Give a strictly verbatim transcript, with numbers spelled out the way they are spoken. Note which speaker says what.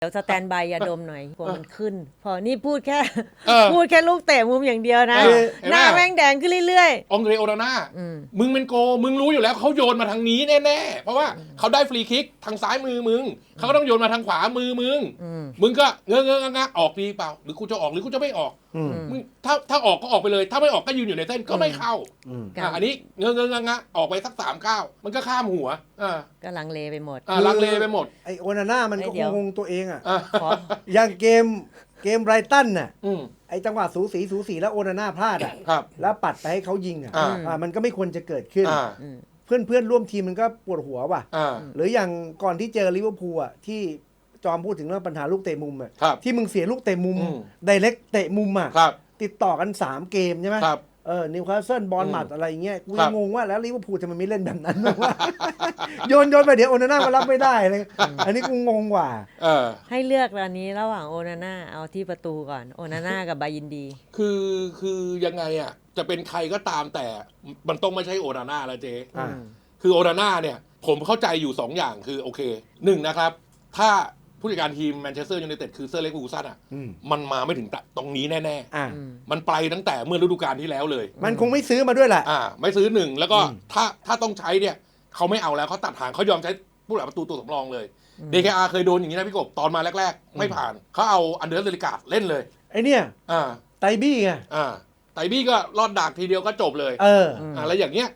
Speaker 1: เดี๋ยวสแตนบายยาดมหน่อยกลัวมันขึ้น พอนี่พูดแค่
Speaker 2: เออ
Speaker 1: พูดแค่ลูกเตะมุมอย่างเดียวนะ
Speaker 2: เออเห็นไหม
Speaker 1: หน้าแม่งแดงขึ้นเรื่อย
Speaker 2: องเดรโอนาน่า
Speaker 1: ๆอืม
Speaker 2: มึงเป็นโกมึงรู้อยู่แล้วเขาโยนมาทางนี้แน่ๆเพราะว่าเขาได้ฟรีคิกทางซ้ายมือมึงเขาก็ต้องโยนมาทางขวามือมึง
Speaker 1: อืม
Speaker 2: มึงก็เงอะเงอะงะงะออกดีเปล่าหรือกูจะออกหรือกูจะไม่ออก
Speaker 3: อืม
Speaker 2: มึงถ้าถ้าออกก็ออกไปเลย ถ้าไม่ออกก็ยืนอยู่ในเส้นก็ไม่เข้า
Speaker 3: อืม
Speaker 1: ครับ
Speaker 2: อ่ะอันนี้เงอะเงอะงะงะออกไปสักสามก้าวมันก็ข้ามหัวอ่า
Speaker 1: ก็ลังเลไปหมด
Speaker 2: อ่าลังเลไปหมด
Speaker 3: ไอโอนาน่ามันก็
Speaker 1: เอ้ยเดี๋ยว
Speaker 3: งงตัวเองอ่ะ
Speaker 2: อ่า
Speaker 1: ขอ
Speaker 3: อย่างเกมเกมไบรตันน่ะ
Speaker 2: อืม
Speaker 3: ไอจังหวะสูสีสูสีแล้วโอนาน่าพลาดอ่ะ
Speaker 2: ครับ
Speaker 3: แล้วปัดไปให้เขายิงอ่ะ
Speaker 2: อ่า
Speaker 3: อ่ามันก็ไม่ควรจะเกิดขึ้น
Speaker 2: อ่า
Speaker 1: อืม
Speaker 3: เพื่อนเพื่อนร่วมทีมมันก็ปวดหัวว่ะ
Speaker 2: อ่า
Speaker 3: หรืออย่างก่อนที่เจอลิเวอร์พูลอ่ะที่จอมพูดถึงเรื่องปัญหาลูกเตะมุมอ่ะ
Speaker 2: ครับ
Speaker 3: ที่มึงเสียลูกเตะมุม
Speaker 2: อืม
Speaker 3: ไดเรกเตะมุมอ่ะ
Speaker 2: ครับ
Speaker 3: ติดต่อกันสามเกมใช่ไหม
Speaker 2: ครับ
Speaker 3: เออนิวคาสเซิลบอล
Speaker 2: อืม
Speaker 3: หมัดอะไรอย่างเงี้ยกู
Speaker 2: ครั
Speaker 3: ยั
Speaker 2: บ
Speaker 3: งงงว่าแล้วลิเวอร์พูลจะมันไม่เล่นแบบนั้น วะ โยนโยนไปเดี๋ยวโอนาน่ามารับไม่ได้เลยอันนี้กูงงกว่า
Speaker 2: เออ
Speaker 1: ให้เลือกตอนนี้ระหว่างโอนาน่าเอาที่ประตูก่อนโอนาน่ากับบายินดี
Speaker 2: คือคือยังไงอ่ะจะเป็นใครก็ตามแต่มันต้องไม่ใช่โอนาน่าแล้วเจ๊
Speaker 3: อ่า
Speaker 2: คือโอนาน่าเนี่ยผมเข้าใจอยู่ 2 อย่างคือโอเคหนึ่งนะครับ ถ้าผู้จัดการทีมแมนเชสเตอร์ยูไนเต็ดคือเซอร์เล็กฟูซันอ่ะ
Speaker 3: อืม
Speaker 2: มันมาไม่ถึงตรงนี้แน่
Speaker 3: อ่า
Speaker 1: อืม
Speaker 2: ๆ มันไปตั้งแต่เมื่อฤดูกาลที่แล้วเลย
Speaker 3: มันคงไม่ซื้อมาด้วยแหละ
Speaker 2: อ่าไม่ซื้อหนึ่งแล้วก็
Speaker 3: อืม
Speaker 2: ถ้าถ้าต้องใช้เนี่ยเขาไม่เอาแล้วเขาตัดหางเขายอมใช้ผู้หลักประตูตัวสำรองเลย
Speaker 1: อืม
Speaker 2: ดี เค อาร์ เคยโดนอย่างนี้นะพี่กบตอนมาแรก ๆ ไม่ผ่านเขาเอาอันเดอร์เซลิกาเล่นเลย
Speaker 3: ไอเนี่ย
Speaker 2: อ่า
Speaker 3: ไตบี้ไง
Speaker 2: อ่าไตบี้ก็รอดดากทีเดียวก็จบเลย
Speaker 3: เออ
Speaker 1: อืม
Speaker 2: อ่าแล้วอย่างเงี้ย